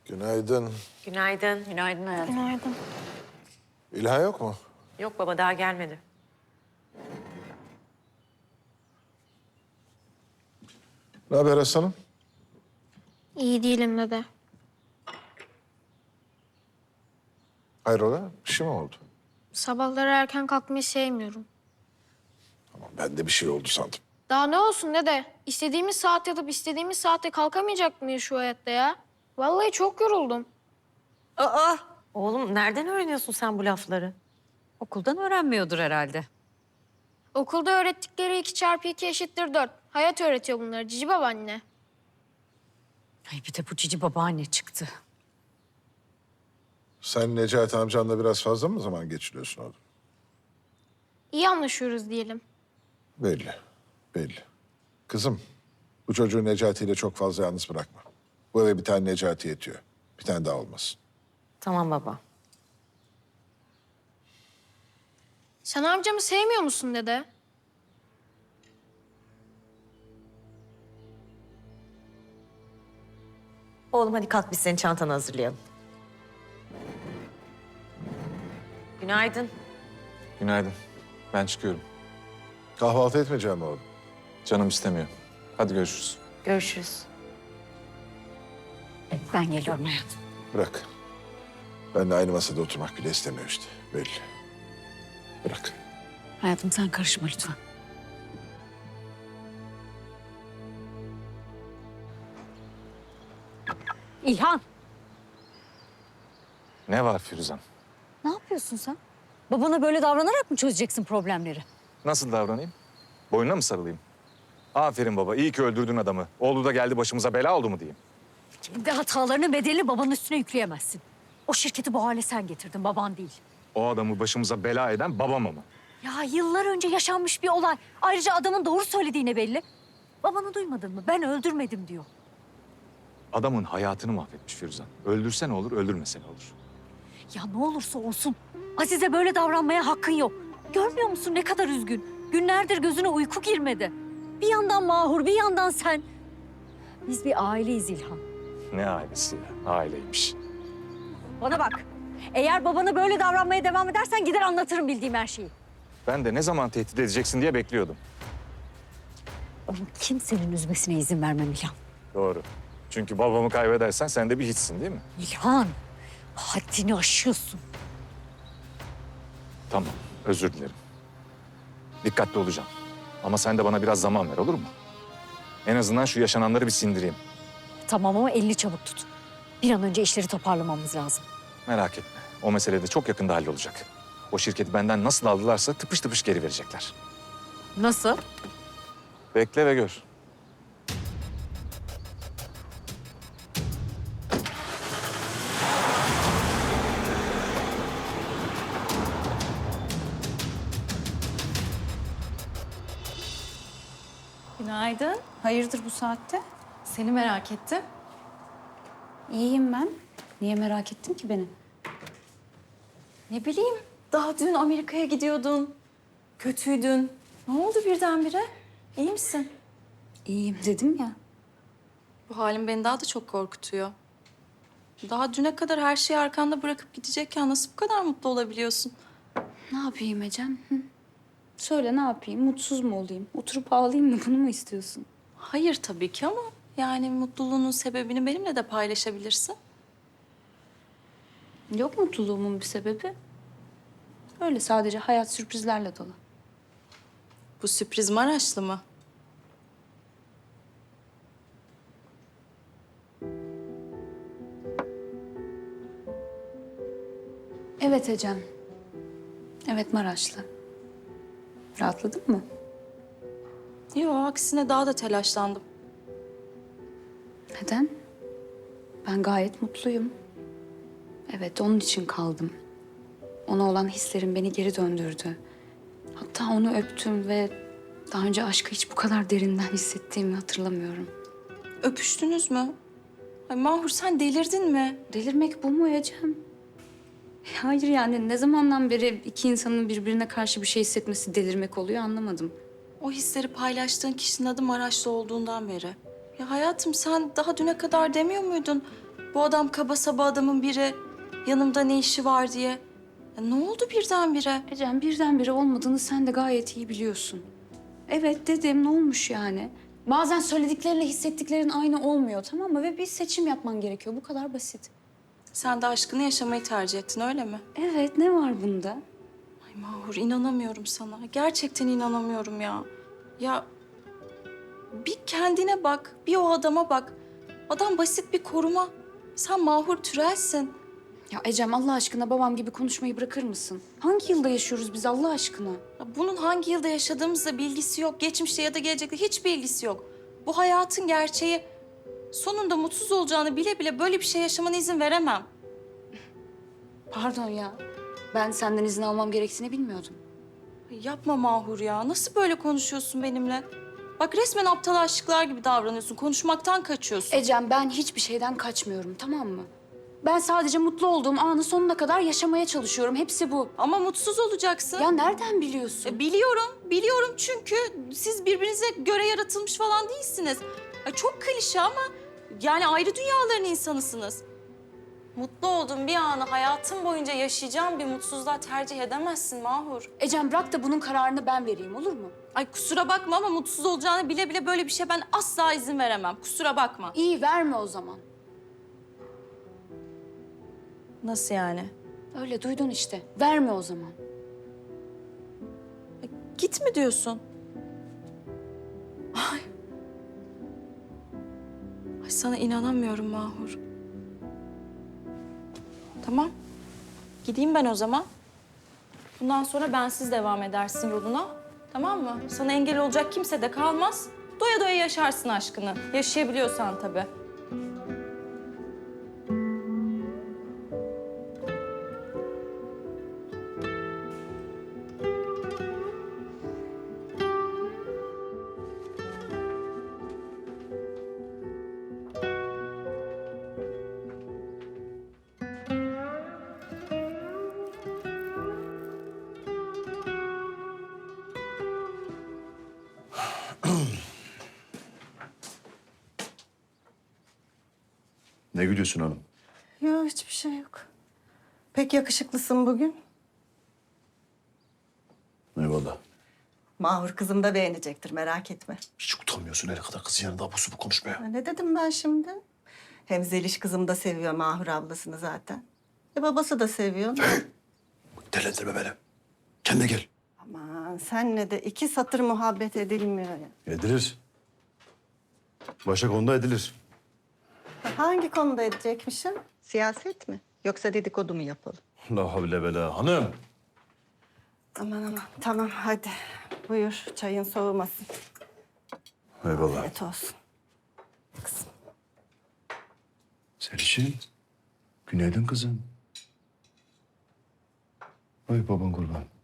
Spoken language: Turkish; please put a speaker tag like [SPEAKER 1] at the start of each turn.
[SPEAKER 1] Günaydın.
[SPEAKER 2] Günaydın.
[SPEAKER 3] Günaydın hayatım.
[SPEAKER 4] Günaydın.
[SPEAKER 1] İlhan yok mu?
[SPEAKER 2] Yok baba daha gelmedi.
[SPEAKER 1] Ne haber Hasan'ım?
[SPEAKER 4] İyi değilim dede.
[SPEAKER 1] Hayrola? Bir şey mi oldu?
[SPEAKER 4] Sabahları erken kalkmayı sevmiyorum.
[SPEAKER 1] Tamam, ben de bir şey oldu sandım.
[SPEAKER 4] Daha ne olsun dede? İstediğimiz saat yatıp istediğimiz saatte kalkamayacak mıyız şu hayatta ya? Vallahi çok yoruldum.
[SPEAKER 2] Aa! Oğlum nereden öğreniyorsun sen bu lafları?
[SPEAKER 3] Okuldan öğrenmiyordur herhalde.
[SPEAKER 4] Okulda öğrettikleri 2 çarpı 2 eşittir 4. Hayat öğretiyor bunları cici babaanne.
[SPEAKER 3] Ay bir de bu cici babaanne çıktı.
[SPEAKER 1] Sen Necati amcanla biraz fazla mı zaman geçiriyorsun oğlum?
[SPEAKER 4] İyi anlaşıyoruz diyelim.
[SPEAKER 1] Belli, belli. Kızım, bu çocuğu Necati ile çok fazla yalnız bırakma. Bu eve bir tane Necati yetiyor. Bir tane daha olmasın.
[SPEAKER 2] Tamam baba.
[SPEAKER 4] Sen amcamı sevmiyor musun dede?
[SPEAKER 2] Oğlum hadi kalk biz senin çantanı hazırlayalım. Günaydın.
[SPEAKER 5] Günaydın. Ben çıkıyorum.
[SPEAKER 1] Kahvaltı etmeyeceğim mi oğlum?
[SPEAKER 5] Canım istemiyor. Hadi görüşürüz.
[SPEAKER 2] Görüşürüz.
[SPEAKER 3] Ben geliyorum hayatım.
[SPEAKER 1] Bırak. Benimle aynı masada oturmak bile istemiyor işte. Belli. Bırak.
[SPEAKER 3] Hayatım sen karışma lütfen. İlhan,
[SPEAKER 5] Ne var Firuzan?
[SPEAKER 3] ne yapıyorsun sen? Babana böyle davranarak mı çözeceksin problemleri?
[SPEAKER 5] Nasıl davranayım? Boynuna mı sarılayım? Aferin baba, iyi ki öldürdün adamı. Oğlu da geldi başımıza bela oldu mu diyeyim.
[SPEAKER 3] Kendi hatalarının bedelini babanın üstüne yükleyemezsin. O şirketi bu hale sen getirdin, baban değil.
[SPEAKER 5] O adamı başımıza bela eden babam ama.
[SPEAKER 3] Ya yıllar önce yaşanmış bir olay. Ayrıca adamın doğru söylediğine belli. Babanı duymadın mı? Ben öldürmedim diyor.
[SPEAKER 5] Adamın hayatını mahvetmiş Firuzan. Öldürse ne olur, öldürmese ne olur?
[SPEAKER 3] Ya ne olursa olsun Azize böyle davranmaya hakkın yok. Görmüyor musun ne kadar üzgün? Günlerdir gözüne uyku girmedi. Bir yandan Mahur, bir yandan sen. Biz bir aileyiz İlhan.
[SPEAKER 5] Ne ailesi ya, aileymiş.
[SPEAKER 3] Bana bak. Eğer babana böyle davranmaya devam edersen gider anlatırım bildiğim her şeyi.
[SPEAKER 5] Ben de ne zaman tehdit edeceksin diye bekliyordum.
[SPEAKER 3] Onun kimsenin üzmesine izin vermem İlhan.
[SPEAKER 5] Doğru. Çünkü babamı kaybedersen sen de bir hiçsin değil mi?
[SPEAKER 3] İlhan, haddini aşıyorsun.
[SPEAKER 5] Tamam, özür dilerim. Dikkatli olacağım. Ama sen de bana biraz zaman ver, olur mu? En azından şu yaşananları bir sindireyim.
[SPEAKER 3] Tamam ama elini çabuk tut. Bir an önce işleri toparlamamız lazım.
[SPEAKER 5] Merak etme. O mesele de çok yakında hallolacak. O şirketi benden nasıl aldılarsa tıpış tıpış geri verecekler.
[SPEAKER 3] Nasıl?
[SPEAKER 5] Bekle ve gör.
[SPEAKER 6] Günaydın. Hayırdır bu saatte?
[SPEAKER 7] Seni merak ettim.
[SPEAKER 6] İyiyim ben. Niye merak ettin ki beni?
[SPEAKER 7] Ne bileyim, daha dün Amerika'ya gidiyordun. Kötüydün. Ne oldu birdenbire? İyi misin?
[SPEAKER 6] İyiyim dedim ya.
[SPEAKER 7] Bu halin beni daha da çok korkutuyor. Daha düne kadar her şeyi arkanda bırakıp gidecekken nasıl bu kadar mutlu olabiliyorsun?
[SPEAKER 6] Ne yapayım Ecem? Hı? Söyle ne yapayım? Mutsuz mu olayım? Oturup ağlayayım mı? Bunu mu istiyorsun?
[SPEAKER 7] Hayır tabii ki ama yani mutluluğunun sebebini benimle de paylaşabilirsin.
[SPEAKER 6] Yok mutluluğumun bir sebebi. Öyle sadece hayat sürprizlerle dolu.
[SPEAKER 7] Bu sürpriz Maraşlı mı?
[SPEAKER 6] Evet Ecem. Evet Maraşlı. Rahatladın mı?
[SPEAKER 7] Yok, aksine daha da telaşlandım.
[SPEAKER 6] Neden? Ben gayet mutluyum. Evet, onun için kaldım. Ona olan hislerim beni geri döndürdü. Hatta onu öptüm ve daha önce aşkı hiç bu kadar derinden hissettiğimi hatırlamıyorum.
[SPEAKER 7] Öpüştünüz mü? Ay Mahur sen delirdin mi?
[SPEAKER 6] Delirmek bu mu Ecem? Hayır yani ne zamandan beri iki insanın birbirine karşı bir şey hissetmesi delirmek oluyor anlamadım.
[SPEAKER 7] O hisleri paylaştığın kişinin adı Maraşlı olduğundan beri. Ya hayatım sen daha düne kadar demiyor muydun? Bu adam kaba saba adamın biri. Yanımda ne işi var diye. Ya ne oldu birdenbire?
[SPEAKER 6] Ecem birdenbire olmadığını sen de gayet iyi biliyorsun. Evet dedim, ne olmuş yani? Bazen söylediklerinle hissettiklerin aynı olmuyor, tamam mı? Ve bir seçim yapman gerekiyor, bu kadar basit.
[SPEAKER 7] Sen de aşkını yaşamayı tercih ettin öyle mi?
[SPEAKER 6] Evet, ne var bunda?
[SPEAKER 7] Ay Mahur inanamıyorum sana. Gerçekten inanamıyorum ya. Ya bir kendine bak, bir o adama bak. Adam basit bir koruma. Sen Mahur Türel'sin.
[SPEAKER 6] Ya Ecem Allah aşkına babam gibi konuşmayı bırakır mısın? Hangi yılda yaşıyoruz biz Allah aşkına?
[SPEAKER 7] Ya bunun hangi yılda yaşadığımızla bilgisi yok. Geçmişte ya da gelecekte hiçbir ilgisi yok. Bu hayatın gerçeği. Sonunda mutsuz olacağını bile bile böyle bir şey yaşamana izin veremem.
[SPEAKER 6] Pardon ya. Ben senden izin almam gerektiğini bilmiyordum.
[SPEAKER 7] Ay yapma Mahur ya. Nasıl böyle konuşuyorsun benimle? Bak resmen aptal aşıklar gibi davranıyorsun. Konuşmaktan kaçıyorsun.
[SPEAKER 6] Ecem ben hiçbir şeyden kaçmıyorum, tamam mı? Ben sadece mutlu olduğum anı sonuna kadar yaşamaya çalışıyorum. Hepsi bu.
[SPEAKER 7] Ama mutsuz olacaksın.
[SPEAKER 6] Ya nereden biliyorsun?
[SPEAKER 7] Biliyorum çünkü siz birbirinize göre yaratılmış falan değilsiniz. Ay çok klişe ama yani ayrı dünyaların insanısınız. Mutlu olduğun bir anı hayatın boyunca yaşayacağın bir mutsuzluğa tercih edemezsin Mahur.
[SPEAKER 6] Ecem bırak da bunun kararını ben vereyim, olur mu?
[SPEAKER 7] Ay kusura bakma ama mutsuz olacağını bile bile böyle bir şey ben asla izin veremem. Kusura bakma.
[SPEAKER 6] İyi, verme o zaman.
[SPEAKER 7] Nasıl yani?
[SPEAKER 6] Öyle duydun işte. Verme o zaman.
[SPEAKER 7] Git mi diyorsun? Ay. Ay sana inanamıyorum Mahur. Tamam. Gideyim ben o zaman. Bundan sonra bensiz devam edersin yoluna. Tamam mı? Sana engel olacak kimse de kalmaz. Doya doya yaşarsın aşkını. Yaşayabiliyorsan tabii.
[SPEAKER 8] Ne gülüyorsun hanım?
[SPEAKER 9] Yok hiçbir şey yok. Pek yakışıklısın bugün.
[SPEAKER 8] Eyvallah.
[SPEAKER 9] Mahur kızım da beğenecektir merak etme.
[SPEAKER 8] Hiç utanmıyorsun her kadar kızın yanında abusu bu konuşmaya.
[SPEAKER 9] Ne dedim ben şimdi? Hem Zeliş kızım da seviyor Mahur ablasını zaten. Babası da seviyor.
[SPEAKER 8] Delendirme beni. Kendine gel.
[SPEAKER 9] Aman senle de 2 satır muhabbet edilmiyor ya.
[SPEAKER 8] Edilir. Başka konuda edilir.
[SPEAKER 9] Hangi konuda edecekmişim? Siyaset mi? Yoksa dedikodu mu yapalım?
[SPEAKER 8] La havle ve la hanım.
[SPEAKER 9] Aman tamam hadi. Buyur çayın soğumasın.
[SPEAKER 8] Eyvallah.
[SPEAKER 9] Afiyet olsun. Kızım.
[SPEAKER 8] Selişim. Günaydın kızım. Ay baban kurban.